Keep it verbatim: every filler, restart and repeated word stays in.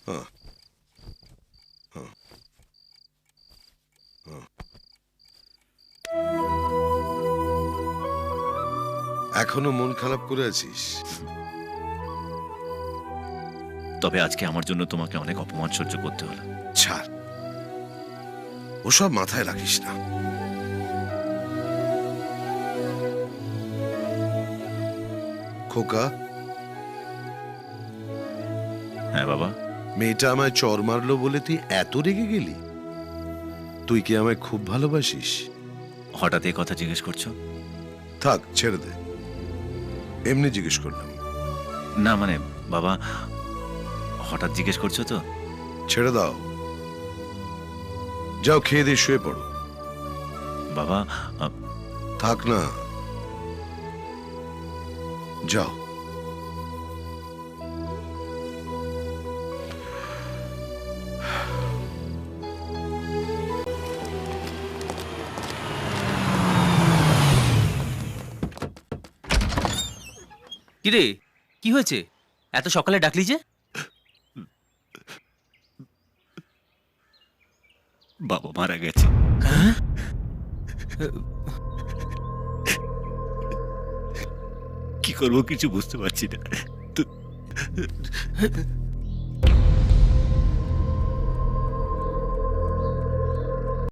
হ্যাঁ, হ্যাঁ, হ্যাঁ। এখনো মন খারাপ করে আছিস? তবে আজকে আমার জন্য তোমাকে অনেক অপমান সহ্য করতে হলো। ছাড়, ওসব মাথায় রাখিস না। খোকা, হ্যাঁ বাবা। মেয়েটা আমায় চর মারলো বলে তুই এত রেগে গেলি? তুই কি আমায় খুব ভালোবাসিস? হঠাৎ এই কথা জিজ্ঞেস করছো? থাক, ছেড়ে দে, এমনি জিজ্ঞেস করলাম। না মানে বাবা, হঠাৎ জিজ্ঞেস করছো তো। ছেড়ে দাও, যাও খেয়ে দিয়ে শুয়ে পড়ো। বাবা আ, থাক না, যাও। কিরে, কি হয়েছে? এত সকালে ডাকলি যে? বাবা মারা গেছে। কি করবো কিছু বুঝতে পারছি না। তো